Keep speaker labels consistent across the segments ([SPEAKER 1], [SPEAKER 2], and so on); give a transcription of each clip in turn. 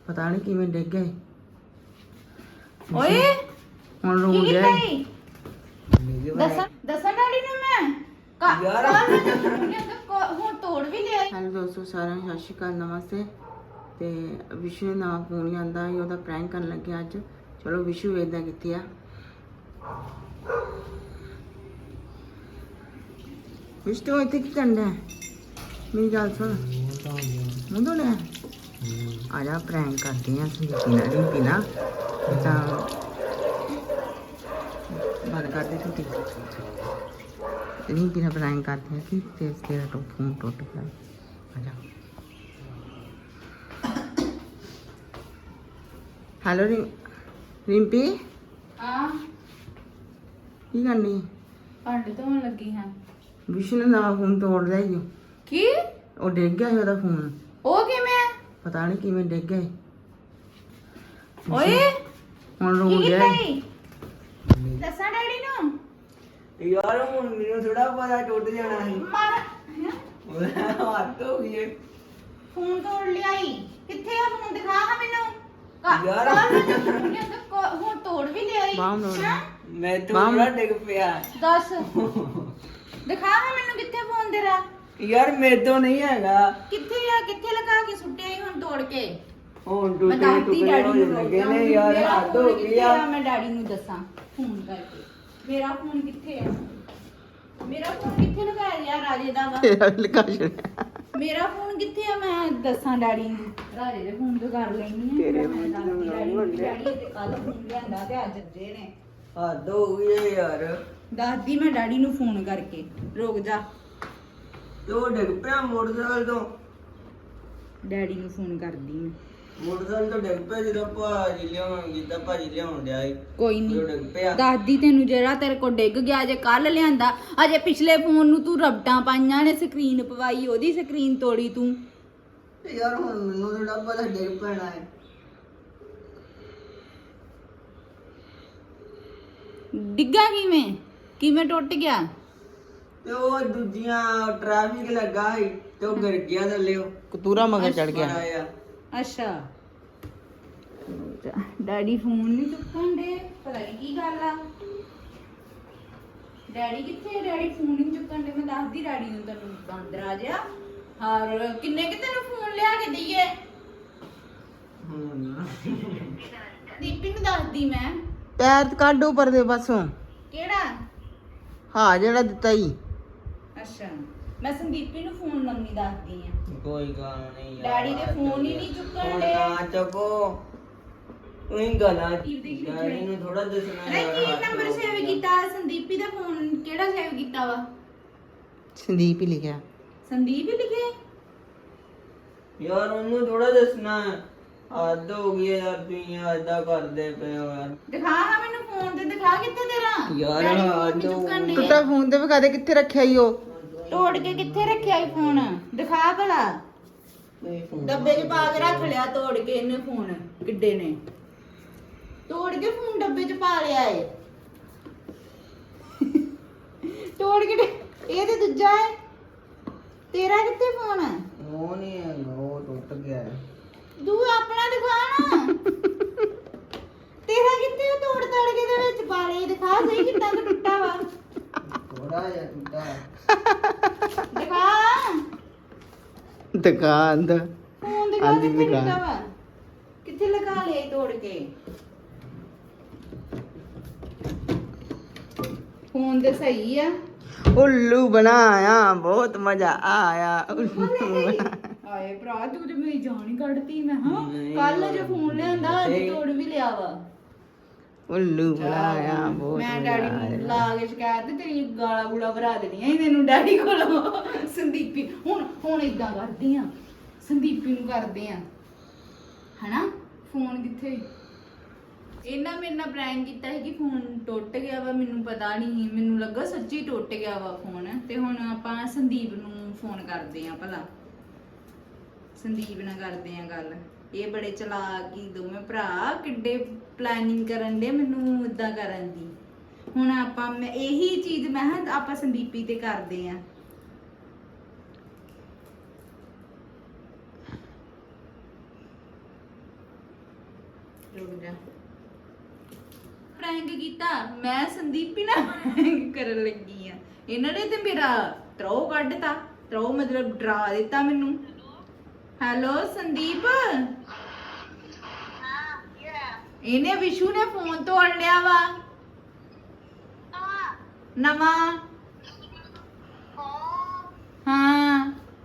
[SPEAKER 1] ਪਤਾ ਨਹੀਂ ਕਿਵੇਂ ਡਿੱਗ ਗਏ।
[SPEAKER 2] ਓਏ
[SPEAKER 1] ਹੁਣ ਰੋਣ ਡਿਆ ਏ।
[SPEAKER 2] ਦੱਸਾਂ ਡੈਡੀ ਨੂੰ ਮੈਂ
[SPEAKER 1] ਯਾਰ।
[SPEAKER 2] ਹੁਣ ਤੋੜ ਵੀ ਲਿਆ ਈ।
[SPEAKER 1] ਹੈਲੋ ਦੋਸਤੋ, ਸਾਰਿਆਂ ਨੂੰ ਸਤਿ ਸ਼੍ਰੀ ਅਕਾਲ, ਨਮਸਤੇ। ਤੇ ਵਿਸ਼ੂ ਨੇ ਨਵਾਂ ਫੋਨ ਲਿਆਂਦਾ ਸੀ, ਉਹਦਾ ਪ੍ਰੈਂਕ ਕਰਨ ਲੱਗੇ ਅੱਜ। ਚਲੋ ਵਿਸ਼ੂ ਵੇਖਦਾ ਕਿੱਥੇ ਆ। ਵਿਸ਼ੂ ਤੂੰ ਇੱਥੇ ਕੀ ਕਰਦਾ? ਮੇਰੀ ਗੱਲ ਸੁਣ, ਮੂੰਹ ਧੋਣਾ ਆ ਜਾ, ਪ੍ਰੈਂਕ ਕਰਦੇ ਆ ਸੰਦੀਪੀ ਨਾਲ ਤਾਂ ਬੰਦ ਕਰ ਦੇ ਛੁੱਟੀ ਰਿੰਪੀ ਨਾਲ ਪ੍ਰੈਂਕ ਕਰਦੇ ਆ ਕਿ ਤੇਰਾ ਫੋਨ ਟੁੱਟ ਗਿਆ। ਆ ਜਾ। ਹੈਲੋ ਰਿੰਪੀ,
[SPEAKER 2] ਹਾਂ
[SPEAKER 1] ਕੀ ਕਰਨੀ?
[SPEAKER 2] ਭਾਂਡੇ ਧੋਣ ਲੱਗੀ ਹਾਂ।
[SPEAKER 1] ਵਿਸ਼ੂ ਨੇ ਨਵਾਂ ਫੋਨ ਤੋੜ ਲਿਆ ਈ ਓ।
[SPEAKER 2] ਕੀ?
[SPEAKER 1] ਉਹ ਡਿੱਗ ਗਿਆ ਸੀ ਉਹਦਾ ਫੋਨ।
[SPEAKER 2] ਉਹ ਕਿਵੇਂ?
[SPEAKER 1] ਪਤਾ ਨਹੀਂ ਕਿਵੇਂ ਡਿੱਗ ਗਿਆ ਸੀ।
[SPEAKER 2] ਓਏ
[SPEAKER 1] ਹੁਣ ਰੋਣ
[SPEAKER 2] ਕੀ
[SPEAKER 1] ਡਿਆ
[SPEAKER 2] ਕੀਤਾ
[SPEAKER 1] ਏ।
[SPEAKER 2] ਈ? ਦੱਸਾਂ ਡੈਡੀ ਨੂੰ
[SPEAKER 1] ਯਾਰ ਹੁਣ ਮੈਨੂੰ ਥੋੜਾ ਪਤਾ ਟੁੱਟ ਜਾਣਾ ਸੀ।
[SPEAKER 2] ਮਾਰ
[SPEAKER 1] ਹੱਥ ਹੋ ਗਈ ਏ।
[SPEAKER 2] ਫੋਨ ਤੋੜ ਲਿਆ ਈ। ਕਿੱਥੇ ਆ ਫੋਨ? ਦਿਖਾ ਹਾਂ ਮੈਨੂੰ।
[SPEAKER 1] ਯਾਰ।
[SPEAKER 2] ਹੁਣ ਤੋੜ ਵੀ ਲਿਆ ਈ।
[SPEAKER 1] ਬਾਹਮ ਤੋੜ ਲਿਆ।
[SPEAKER 2] ਹੈਂ?
[SPEAKER 1] ਮੈਂ ਥੋੜਾ ਡਿੱਗ ਪਿਆ।
[SPEAKER 2] ਦੱਸ ਦਿਖਾ ਹਾਂ ਮੈਨੂੰ ਕਿੱਥੇ ਫੋਨ ਤੇਰਾ।
[SPEAKER 1] ਯਾਰ ਮੇਰੇ ਤੋਂ ਨਹੀਂ ਹੈਗਾ।
[SPEAKER 2] ਕਿੱਥੇ ਆ? ਕਿੱਥੇ ਲਗਾ ਕੇ ਸੁੱਟਿਆ ਈ ਹੁਣ ਤੋੜ ਕੇ?
[SPEAKER 1] ਹੁਣ
[SPEAKER 2] ਮੈਂ
[SPEAKER 1] ਟੁੱਟੇ
[SPEAKER 2] ਦੱਸਦੀ
[SPEAKER 1] ਟੁੱਟੇ
[SPEAKER 2] ਡੈਡੀ
[SPEAKER 1] ਹੋ
[SPEAKER 2] ਨੂੰ
[SPEAKER 1] ਲੱਗੇ ਨੇ ਯਾਰ,
[SPEAKER 2] ਮੇਰਾ
[SPEAKER 1] ਹੱਥ ਹੋ
[SPEAKER 2] ਫੋਨ
[SPEAKER 1] ਗਈ
[SPEAKER 2] ਕਿੱਥੇ
[SPEAKER 1] ਆ।
[SPEAKER 2] ਮੈਂ ਡੈਡੀ ਨੂੰ ਦੱਸਾਂ ਫੋਨ ਕਰਕੇ। ਮੇਰਾ ਫੋਨ ਕਿੱਥੇ ਆ? ਮੇਰਾ ਫੋਨ ਕਿੱਥੇ ਲਗਾਇਆ ਯਾਰ ਰਾਜੇ ਦਾ ਵਾ?
[SPEAKER 1] ਤੇਰਾ ਵੀ ਲਗਾ ਛੱਡਿਆ।
[SPEAKER 2] ਮੇਰਾ ਫੋਨ ਕਿੱਥੇ ਆ? ਮੈਂ ਦੱਸਾਂ ਡੈਡੀ ਨੂੰ। ਰਾਜੇ ਦੇ ਫੋਨ ਤੋਂ ਕਰ ਲੈਣੀ ਆ।
[SPEAKER 1] ਤੇਰੇ
[SPEAKER 2] ਮੈਂ
[SPEAKER 1] ਫੋਨ
[SPEAKER 2] ਦੱਸਦੀ
[SPEAKER 1] ਤੋਂ
[SPEAKER 2] ਡੈਡੀ ਨੂੰ।
[SPEAKER 1] ਕਰ ਲੈ।
[SPEAKER 2] ਡੈਡੀ ਤੇ ਕੱਲ ਫੋਨ ਲਿਆਂਦਾ ਤੇ ਅੱਜ ਅੱਜੇ ਨੇ।
[SPEAKER 1] ਹੱਦ ਹੋ ਗਈ ਏ ਯਾਰ।
[SPEAKER 2] ਦੱਸਦੀ ਮੈਂ ਡੈਡੀ ਨੂੰ ਫੋਨ ਕਰਕੇ। ਰੁਕ ਜਾ,
[SPEAKER 1] ਤੇ ਉਹ ਡਿੱਗ ਪਿਆ ਮੋਟਰਸਾਈਕਲ ਤੋਂ।
[SPEAKER 2] ਡੈਡੀ ਨੂੰ ਫੋਨ ਕਰਦੀ ਮੈਂ।
[SPEAKER 1] ਮੋਟਰਸਾਈਕਲ ਤੋਂ ਡਿੱਗ ਪਿਆ ਜਦੋਂ ਭਾਜੀ ਲਿਆਉਣ ਡਿਆ ਸੀ।
[SPEAKER 2] ਕੋਈ
[SPEAKER 1] ਜਦੋਂ
[SPEAKER 2] ਨਹੀਂ
[SPEAKER 1] ਡਿੱਗ ਪਿਆ।
[SPEAKER 2] ਦੱਸਦੀ ਤੈਨੂੰ, ਜਿਹੜਾ ਤੇਰੇ ਕੋਲ ਡਿੱਗ ਗਿਆ ਜੇ ਕੱਲ ਲਿਆਂਦਾ। ਅਜੇ ਪਿਛਲੇ ਫੋਨ ਨੂੰ ਤੂੰ ਰਬਟਾਂ ਪਾਈਆਂ ਨੇ, ਸਕਰੀਨ ਪਵਾਈ, ਉਹਦੀ ਸਕਰੀਨ ਤੋੜੀ ਤੂੰ।
[SPEAKER 1] ਤੇ ਯਾਰ ਹੁਣ ਮੈਨੂੰ ਥੋੜਾ ਪਤਾ ਡਿੱਗ ਪੈਣਾ ਹੈ।
[SPEAKER 2] ਡਿੱਗਾ ਕਿਵੇਂ? ਕਿਵੇਂ ਟੁੱਟ ਗਿਆ?
[SPEAKER 1] ਤੇ ਉਹ ਦੂਜੀਆਂ ਟ੍ਰੈਫਿਕ ਲੱਗਾ ਸੀ ਤੇ ਉਹ ਗਿਰ ਗਿਆ ਥੱਲੇ। ਉਹ ਕਤੂਰਾ ਮਗਰ ਚੜ ਗਿਆ।
[SPEAKER 2] ਅੱਛਾ, ਡੈਡੀ ਫੋਨ ਨਹੀਂ ਚੁੱਕਣ ਦੇ। ਪਤਾ ਨਹੀਂ ਕੀ ਗੱਲ ਆ। ਡੈਡੀ ਕਿੱਥੇ? ਡੈਡੀ ਫੋਨ ਨਹੀਂ ਚੁੱਕਣ ਦੇ। ਮੈਂ ਦੱਸਦੀ ਡੈਡੀ ਨੂੰ, ਤੈਨੂੰ ਬਾਂਦਰ ਆ ਜਾ। ਹਰ ਕਿੰਨੇ ਕਿ ਤੈਨੂੰ ਫੋਨ ਲਿਆ ਕੇ ਦਈਏ? ਦੀਪੀ ਨੂੰ ਦੱਸਦੀ ਮੈਂ।
[SPEAKER 1] ਪੈਰ ਕੱਢ ਉੱਪਰ ਦੇ ਪਾਸੋਂ।
[SPEAKER 2] ਕਿਹੜਾ?
[SPEAKER 1] ਹਾਂ ਜਿਹੜਾ ਦਿੱਤਾ ਹੀ।
[SPEAKER 2] ਅੱਛਾ, ਮੈਂ ਸੰਦੀਪੀ ਨੂੰ ਫੋਨ ਲਾਉਣੀ ਦੱਸਦੀ ਆ।
[SPEAKER 1] ਕੋਈ ਗੱਲ ਨਹੀਂ ਯਾਰ।
[SPEAKER 2] ਡੈਡੀ ਦੇ ਫੋਨ ਹੀ ਨਹੀਂ ਚੁੱਕਣ
[SPEAKER 1] ਹੁਣ
[SPEAKER 2] ਦੇ।
[SPEAKER 1] ਨਾ ਚੱਕੋ। ਉਹੀ ਗਾਲਾਂ ਡੈਡੀ ਨੂੰ ਥੋੜਾ ਦੱਸਣਾ
[SPEAKER 2] ਨਹੀਂ,
[SPEAKER 1] ਯਾਰ।
[SPEAKER 2] ਕੀ
[SPEAKER 1] ਹੱਥ
[SPEAKER 2] ਨੰਬਰ
[SPEAKER 1] ਹੋ
[SPEAKER 2] ਸੇਵ
[SPEAKER 1] ਗਿਆ।
[SPEAKER 2] ਕੀਤਾ? ਸੰਦੀਪੀ ਦਾ ਫੋਨ ਕਿਹੜਾ ਸੇਵ ਕੀਤਾ ਵਾ?
[SPEAKER 1] ਸੰਦੀਪ ਹੀ ਲਿਖਿਆ।
[SPEAKER 2] ਸੰਦੀਪ ਹੀ ਲਿਖੇ?
[SPEAKER 1] ਯਾਰ ਉਹਨੂੰ ਥੋੜਾ ਦੱਸਣਾ। ਹੱਦ ਹੋ ਗਈ ਯਾਰ, ਤੁਸੀਂ ਏਦਾਂ ਕਰਦੇ ਪਏ ਹੋ ਯਾਰ।
[SPEAKER 2] ਦਿਖਾ ਹਾਂ ਮੈਨੂੰ ਫੋਨ ਤੇ। ਦਿਖਾ ਕਿੱਥੇ ਤੇਰਾ?
[SPEAKER 1] ਯਾਰ
[SPEAKER 2] ਡੈਡੀ ਫੋਨ
[SPEAKER 1] ਹੱਦ
[SPEAKER 2] ਨੀ
[SPEAKER 1] ਹੋ
[SPEAKER 2] ਚੁੱਕਣ
[SPEAKER 1] ਗਈ।
[SPEAKER 2] ਡਏ।
[SPEAKER 1] ਟੁੱਟਾ ਫੋਨ ਤੇ ਵਿਖਾ ਦੇ ਕਿੱਥੇ ਰੱਖਿਆ ਈ ਉਹ।
[SPEAKER 2] ਤੋੜ ਕੇ ਕਿੱਥੇ ਰੱਖਿਆ ਈ ਫੋਨ? ਦਿਖਾ ਭਲਾ। ਡੱਬੇ 'ਚ ਪਾ ਕੇ ਰੱਖ ਲਿਆ ਤੋੜ ਕੇ ਇਹਨੇ ਫੋਨ। ਕਿੱਡੇ ਨੇ ਤੋੜ ਕੇ ਫੋਨ ਡੱਬੇ 'ਚ ਪਾ ਲਿਆ ਏ। ਤੋੜ ਕੇ ਇਹ ਤੇ ਦੂਜਾ ਏ। ਤੇਰਾ ਕਿੱਥੇ ਫੋਨ?
[SPEAKER 1] ਉਹ ਨਹੀਂ ਹੈ, ਉਹ ਟੁੱਟ ਗਿਆ ਹੈ।
[SPEAKER 2] ਤੂੰ ਆਪਣਾ ਦਿਖਾ ਨਾ। ਤੇਰਾ ਕਿੱਥੇ? ਉਹ ਤੋੜ ਤੜ ਕੇ ਦੇ ਵਿੱਚ ਪਾ ਲਿਆ। ਦਿਖਾ ਸਹੀ ਕਿੱਦਾਂ ਦਾ ਟੁੱਟਾ ਵਾ।
[SPEAKER 1] ਥੋੜਾ ਜਿਹਾ ਟੁੱਟਾ ਹੈ।
[SPEAKER 2] ਦਿਖਾ
[SPEAKER 1] ਦੁਕਾਨ ਦਾ
[SPEAKER 2] ਫੋਨ ਦਿਖਾ
[SPEAKER 1] ਆਂਦੀ
[SPEAKER 2] ਕਿੱਥੇ
[SPEAKER 1] ਦਿਖਾ।
[SPEAKER 2] ਟੁੱਟਾ ਵਾ। ਕਿੱਥੇ ਲਗਾ ਲਿਆ ਈ ਤੋੜ ਕੇ? ਫੋਨ ਤੇ ਸਹੀ ਆ।
[SPEAKER 1] ਉੱਲੂ ਬਣਾਇਆ, ਬਹੁਤ ਮਜ਼ਾ ਆਇਆ। ਉੱਲੂ ਬਣਾ।
[SPEAKER 2] ਆਏ ਭਰਾ, ਤੂੰ ਤੇ ਮੇਰੀ ਜਾਨ ਹੀ ਕੱਢਤੀ। ਮੈਂ ਹਾਂ
[SPEAKER 1] ਨਹੀਂ,
[SPEAKER 2] ਕੱਲ ਜੇ ਫੋਨ ਲਿਆਂਦਾ ਅੱਜ
[SPEAKER 1] ਨਹੀਂ।
[SPEAKER 2] ਤੋੜ ਵੀ ਲਿਆ ਵਾ।
[SPEAKER 1] ਉੱਲੂ ਬਣਾਇਆ, ਬਹੁਤ
[SPEAKER 2] ਮੈਂ
[SPEAKER 1] ਮਜ਼ਾ
[SPEAKER 2] ਡੈਡੀ ਨੂੰ
[SPEAKER 1] ਆਇਆ।
[SPEAKER 2] ਲਾ ਕੇ ਸ਼ਿਕਾਇਤ ਤੇ ਤੇਰੀ ਗਾਲਾਂ ਗੂਲਾ ਭਰਾ ਦੇਣੀਆਂ ਸੀ ਤੈਨੂੰ ਡੈਡੀ ਕੋਲੋਂ। ਸੰਦੀਪੀ ਹੁਣ ਇਦਾਂ ਕਰਦੀ ਆ, ਸੰਦੀਪੀ ਨੂੰ ਕਰਦੇ ਆ ਹਨਾ। ਫੋਨ ਕਿੱਥੇ? ਇਹਨਾਂ ਮੇਰੇ ਨਾਲ ਪ੍ਰੈਂਕ ਕੀਤਾ ਸੀ ਕਿ ਫੋਨ ਟੁੱਟ ਗਿਆ ਵਾ। ਮੈਨੂੰ ਪਤਾ ਨਹੀਂ, ਮੈਨੂੰ ਲੱਗਾ ਸੱਚੀ ਟੁੱਟ ਗਿਆ ਵਾ ਫੋਨ। ਤੇ ਹੁਣ ਆਪਾਂ ਸੰਦੀਪ ਨੂੰ ਫੋਨ ਕਰਦੇ ਆ ਭਲਾ। ਸੰਦੀਪ ਨਾਲ ਕਰਦੇ ਆ ਗੱਲ। ਇਹ ਬੜੇ ਚਲਾਕ ਹੀ ਦੋਵੇਂ ਭਰਾ, ਕਿੱਡੇ ਪਲੈਨਿੰਗ ਕਰਨ ਦੇ ਮੈਨੂੰ ਇਦਾਂ ਕਰਨ ਦੀ। ਹੁਣ ਆਪਾਂ ਇਹੀ ਚੀਜ਼ ਮੈਂ ਕਿਹਾ ਆਪਾਂ ਸੰਦੀਪੀ ਤੇ ਕਰਦੇ ਆ। ਰੁਕ ਜਾ ਪ੍ਰੈਂਕ ਕੀਤਾ ਮੈਂ ਸੰਦੀਪੀ ਨਾਲ ਪ੍ਰੈਂਕ ਕਰਨ ਲੱਗੀ ਆ ਇਹਨਾਂ ਨੇ ਤੇ ਮੇਰਾ ਤਰੋ ਕੱਢਤਾ ਤਰੋ ਮਤਲਬ ਡਰਾ ਦਿੱਤਾ ਮੈਨੂੰ ਹੈਲੋ ਸੰਦੀਪ ਇਹਨੇ ਵਿਸ਼ੂ ਨੇ ਫੋਨ ਤੋੜ ਲਿਆ ਵਾ ਨਵਾਂ ਹਾਂ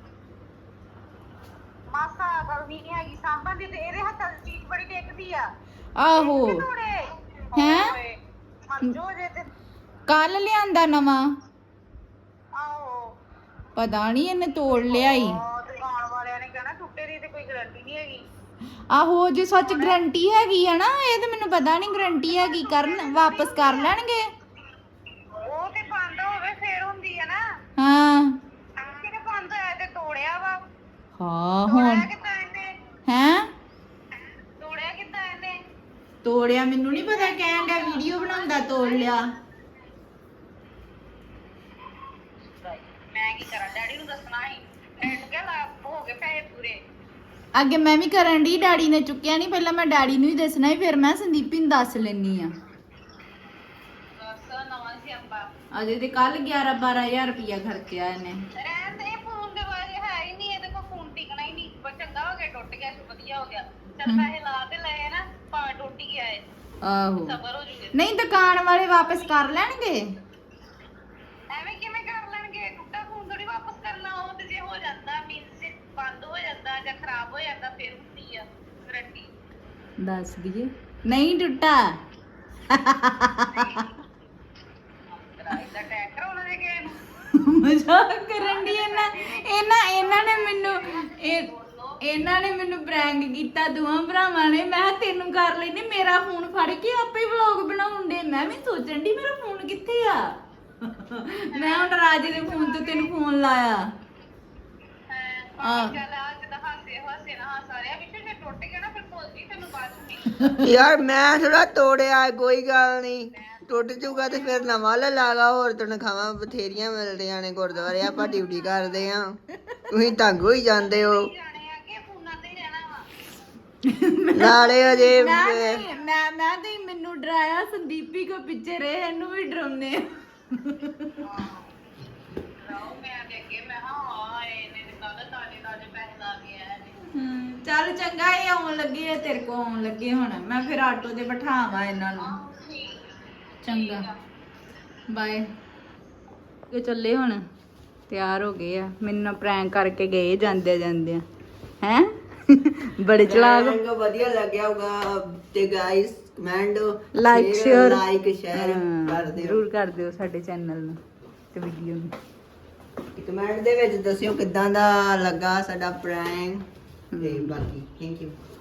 [SPEAKER 3] ਮਾਸਾ ਗਲਵੀ ਨਹੀਂ ਹੈਗੀ ਸਾਂਭਣ ਦੀ ਤੇ ਇਹਦੇ ਹੱਥਾਂ ਦੀ ਚੀਜ਼ ਬੜੀ ਟੇਕਦੀ ਆ
[SPEAKER 2] ਆਹੋ ਹੈਂ?
[SPEAKER 3] ਮੰਜੋ ਜੇ ਤੇ
[SPEAKER 2] ਕੱਲ ਲਿਆਂਦਾ ਨਵਾਂ
[SPEAKER 3] ਆਓ
[SPEAKER 2] ਪਤਾ ਨਹੀਂ ਇਹਨੇ ਤੋੜ ਲਿਆ ਈ
[SPEAKER 3] ਦੁਕਾਨ ਵਾਲਿਆਂ ਨੇ ਕਹਿਣਾ ਟੁੱਟੇ ਦੀ ਤੇ ਕੋਈ ਗਾਰੰਟੀ ਨਹੀਂ ਹੈਗੀ
[SPEAKER 2] ਆਹੋ ਜੇ ਸੱਚ ਗਰੰਟੀ ਹੈਗੀ ਆ ਨਾ ਇਹ ਤੇ ਮੈਨੂੰ ਪਤਾ ਨਹੀਂ ਗਰੰਟੀ ਹੈਗੀ ਕਰਨ ਵਾਪਸ ਕਰ ਲੈਣਗੇ
[SPEAKER 3] ਉਹ ਤੇ ਬੰਦ ਹੋਵੇ ਫੇਰ ਹੁੰਦੀ ਆ ਨਾ
[SPEAKER 2] ਹਾਂ
[SPEAKER 3] ਕਿਹਨੇ ਬੰਦ ਹੋਇਆ ਤੇ ਤੋੜਿਆ ਵਾ
[SPEAKER 2] ਹਾਂ
[SPEAKER 3] ਤੋੜਿਆ
[SPEAKER 2] ਹੁਣ
[SPEAKER 3] ਕਿੱਦਾਂ ਇਹਨੇ
[SPEAKER 2] ਹੈਂ
[SPEAKER 3] ਤੋੜਿਆ ਕਿੱਦਾਂ ਇਹਨੇ
[SPEAKER 2] ਤੋੜਿਆ ਮੈਨੂੰ ਨਹੀਂ ਪਤਾ ਕਹਿਣ ਡਿਆ ਵੀਡੀਓ ਬਣਾਉਂਦਾ ਤੋੜ ਲਿਆ
[SPEAKER 3] ਮੈਂ ਕੀ ਕਰਾਂ ਡੈਡੀ ਨੂੰ ਦੱਸਣਾ ਸੀ ਰੇਟ ਕੇ ਲਾ ਹੋ ਗਏ ਪੈਸੇ ਪੂਰੇ
[SPEAKER 2] ਅੱਗੇ ਮੈਂ ਵੀ ਕਰਨ ਦੀ ਡੈਡੀ ਨੇ ਚੁੱਕਿਆ ਨਹੀਂ ਪਹਿਲਾਂ ਮੈਂ ਡੈਡੀ ਨੂੰ ਹੀ ਦੱਸਣਾ ਸੀ ਫਿਰ ਮੈਂ ਸੰਦੀਪੀ ਨੂੰ ਦੱਸ ਲੈਣੀ ਆ
[SPEAKER 3] ਦੱਸ ਨਵਾਂ ਸੀ ਅੰਬਾ
[SPEAKER 2] ਅਜੇ ਤੇ ਕੱਲ 11-12 ਹਜ਼ਾਰ ਰੁਪਇਆ ਖਰਚਿਆ ਇਹਨੇ
[SPEAKER 3] ਰਹਿਣ ਦੇ ਫੋਨ ਦੇ ਬਾਰੇ ਹੈ ਹੀ ਨਹੀਂ ਇਹਦੇ ਕੋਲ ਫੋਨ ਟਿਕਣਾ ਹੀ ਨਹੀਂ ਪਰ ਚੰਗਾ ਹੋ ਗਿਆ ਟੁੱਟ ਗਿਆ ਸੀ ਵਧੀਆ ਹੋ ਗਿਆ ਚੱਲ ਪੈਸੇ ਲਾ ਤੇ ਲਏ ਨਾ ਭਾਵੇਂ ਟੁੱਟ ਹੀ ਗਿਆ ਏ
[SPEAKER 2] ਆਹੋ
[SPEAKER 3] ਸਬਰ ਹੋ ਜੂਗੇ
[SPEAKER 2] ਨਹੀਂ ਦੁਕਾਨ ਵਾਲੇ ਵਾਪਸ ਕਰ ਲੈਣਗੇ
[SPEAKER 3] ਐਵੇਂ ਕਿਵੇਂ ਕਰ ਲੈਣਗੇ ਟੁੱਟਾ ਫੋਨ ਥੋੜੀ ਵਾਪਸ ਕਰਨਾ ਉਹ ਤੇ ਜੇ ਹੋ ਜਾਂਦਾ ਮੀਨਸ ਬੰਦ ਹੋ ਜਾਂਦਾ ਜਾਂ ਖਰਾਬ ਹੋ ਜਾਂਦਾ ਫਿਰ ਹੁੰਦੀ ਆ ਗਰੰਟੀ
[SPEAKER 2] ਦੱਸ ਦਈਏ ਨਹੀਂ ਟੁੱਟਾ
[SPEAKER 3] ਕਿਰਾਏ ਦਾ ਟੈਕ ਕਰਾਉਣਾ ਦੇ ਕਿਸੇ ਨੂੰ
[SPEAKER 2] ਮਜ਼ਾਕ ਕਰਨ ਦੀ ਇਹਨਾਂ ਨੇ ਮੈਨੂੰ ਇਹਨਾਂ ਨੇ ਮੈਨੂੰ ਪ੍ਰੈਂਕ ਕੀਤਾ ਦੋਵਾਂ ਭਰਾਵਾਂ ਨੇ ਮੈਂ ਕਿਹਾ ਤੈਨੂੰ ਕਰ ਲੈਨੇ ਮੇਰਾ ਫੋਨ ਫੜ ਕੇ ਆਪੇ ਵਲੌਗ ਬਣਾਉਣ ਦੇ ਮੈਂ ਵੀ ਸੋਚਣ ਦੀ ਮੇਰਾ ਫੋਨ ਕਿੱਥੇ ਆ ਮੈਂ ਹੁਣ ਰਾਜੇ ਦੇ ਫੋਨ ਤੋਂ ਤੈਨੂੰ ਫੋਨ ਲਾਇਆ
[SPEAKER 3] ਹਾਂ ਚੱਲ ਆ ਜਿੱਦਾਂ ਹਾਸੇ ਨਾ ਹਾਸਾ ਰਿਹਾ ਵਿੱਚ ਜੇ ਟੁੱਟ ਗਿਆ ਨਾ ਫਿਰ ਭੁੱਲ ਜੀ ਤੈਨੂੰ ਬਾਅਦ ਚ ਨਹੀਂ
[SPEAKER 1] ਯਾਰ ਮੈਂ ਥੋੜਾ ਤੋੜਿਆ ਕੋਈ ਗੱਲ ਨਹੀਂ ਟੁੱਟ ਜੂਗਾ ਤੇ ਫਿਰ ਨਵਾਂ ਲੈ ਲਾਗਾ ਹੋਰ ਤਨਖਾਹਾਂ ਬਥੇਰੀਆਂ ਮਿਲਦੀਆਂ ਨੇ ਗੁਰਦੁਆਰੇ ਆਪਾਂ ਡਿਊਟੀ ਕਰਦੇ ਆ ਤੁਸੀਂ ਤੰਗ ਹੋਈ ਜਾਂਦੇ ਹੋ
[SPEAKER 3] ਜਾਣੇ ਆ ਕਿ ਫੋਨਾਂ ਤੇ ਹੀ ਰਹਿਣਾ ਵਾ
[SPEAKER 1] ਨਾਲੇ ਅਜੇ
[SPEAKER 2] ਮੈਂ ਤੇ ਮੈਨੂੰ ਡਰਾਇਆ ਸੰਦੀਪੀ ਕੋ ਪਿੱਛੇ ਰਹੇ ਇਹਨੂੰ ਵੀ ਡਰਾਉਨੇ
[SPEAKER 3] ਰਾਓ ਮੈਂ ਤੇ ਅੱਗੇ ਮੈਂ ਹਾਂ ਇਹਨੇ ਤੇ ਕੱਲ ਤਾਜੇ ਪੈਸੇ ਲਾ ਕੇ ਆਇਆ ਨੇ
[SPEAKER 2] ਚੱਲ ਚੰਗਾ ਇਹ ਆਉਣ ਲੱਗੇ ਆ ਤੇਰੇ ਕੋ ਆਉਣ ਲੱਗੇ ਹੁਣ ਮੈਂ ਫਿਰ ਆਟੋ ਤੇ ਬਿਠਾਵਾਂ ਇਹਨਾਂ ਨੂੰ ਚੰਗਾ ਬਾਏ ਇਹ ਚੱਲੇ ਹੁਣ ਤਿਆਰ ਹੋ ਗਏ ਆ ਮੈਨੂੰ ਨਾ ਪ੍ਰੈਂਕ ਕਰਕੇ ਗਏ ਜਾਂਦੇ ਜਾਂਦੇ ਹੈ ਬੜੇ ਚਲਾਕ
[SPEAKER 1] ਵਧੀਆ ਲੱਗਿਆ ਹੋਗਾ ਤੇ ਗਾਇਸ ਕਮੈਂਟ
[SPEAKER 2] ਲਾਈਕ ਸ਼ੇਅਰ
[SPEAKER 1] ਕਰ ਦਿਓ
[SPEAKER 2] ਜ਼ਰੂਰ ਕਰ ਦਿਓ ਸਾਡੇ ਚੈਨਲ ਨੂੰ ਤੇ ਵੀਡੀਓ ਨੂੰ
[SPEAKER 1] ਕਮੈਂਟ ਦੇ ਵਿੱਚ ਦੱਸਿਓ ਕਿੱਦਾਂ ਦਾ ਲੱਗਾ ਸਾਡਾ ਪ੍ਰੈਂਕ ਤੇ ਬਾਕੀ ਥੈਂਕ ਯੂ